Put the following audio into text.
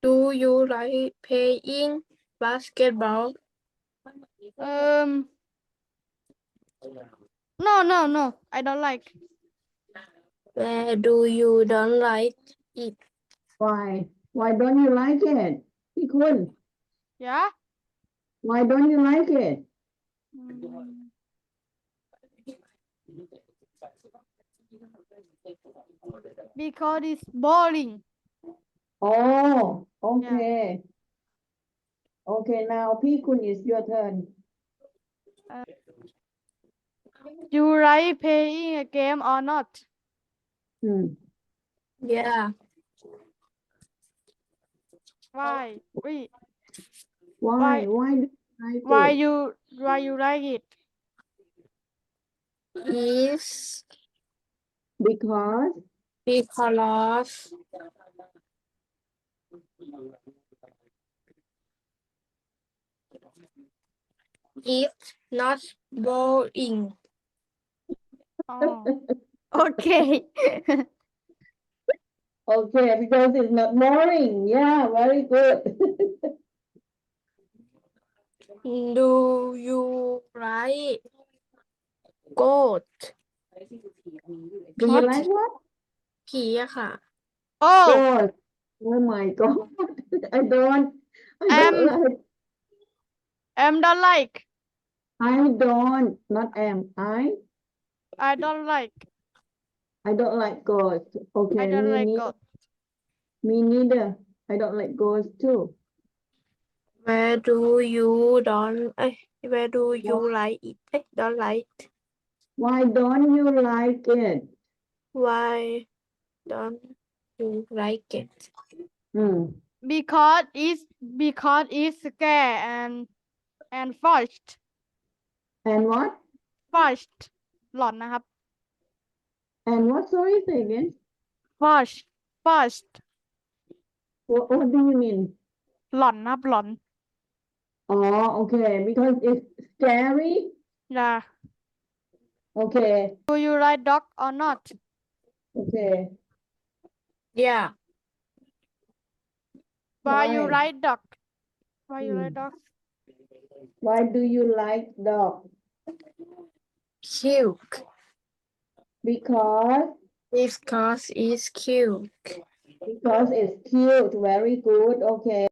Do you like playing basketball? No, I don't like. Where do you don't like it? Why don't you like it พี่คุณ Yeah. Why don't you like it Because it's boring. Oh okay Okay now พี่คุณ is your turn You like playing a game or not? Yeah. Why? Why do you like it Why you like it? Is because because it's not boring. Oh. Okay. Okay because it's not boring yeah very good Do you like goat? Do you like what ผีอะค่ะ Oh, God Oh my God I don't like don't like. I don't not am I don't like. I don't like ghosts okay I don't me like neither God. me neither I don't like ghosts too Where do you don't where do you like it? Don't like it. Why don't you like it Why don't you like it? Because it's scary and fast. And what Fast. หลอนนะครับ And what sorry say again Fast. What do you mean หลอนนะครับหลอน Oh okay because it's scary Yeah. Okay Do you like dog or not? Okay Yeah. Why you Why? like dog? Why you like dog? Why do you like dog Cute. Because Because it's cute. it's cute very good Okay